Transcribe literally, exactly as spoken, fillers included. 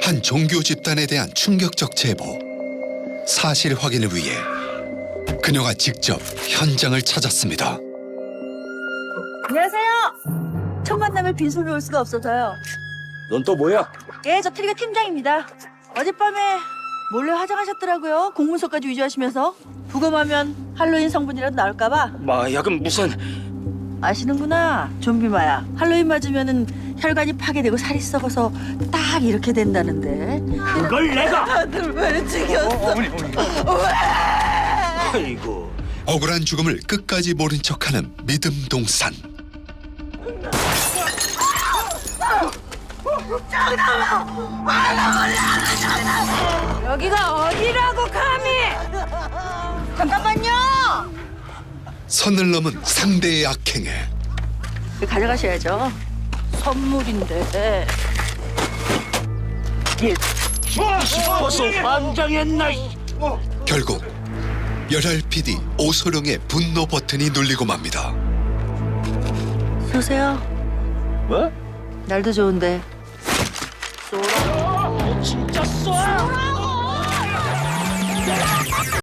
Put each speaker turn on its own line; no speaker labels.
한 종교 집단에 대한 충격적 제보. 사실 확인을 위해 그녀가 직접 현장을 찾았습니다.
안녕하세요. 첫 만남에 빈손으로 올 수가 없어서요.
넌 또 뭐야?
예, 저 트리가 팀장입니다. 어젯밤에 몰래 화장하셨더라고요. 공문서까지 위조하시면서. 부검하면 할로윈 성분이라도 나올까봐.
마약은 무슨...
아시는구나. 좀비 마약. 할로윈 맞으면은 혈관이 파괴되고 살이 썩어서 딱 이렇게 된다는데.
그걸 내가...
아들 왜 죽였어?
어, 어머니, 어머니. 아이고...
억울한 죽음을 끝까지 모른 척하는 믿음 동산.
여기가 어디라고 감히? 잠깐만요.
선을 넘은 상대의 악행에
가져가셔야죠. 선물인데.
싶어서 환장했나...
결국 열혈 피디 오소룡의 분노 버튼이 눌리고 맙니다.
쏘세요.
뭐?
날도 좋은데.
진짜 쏴!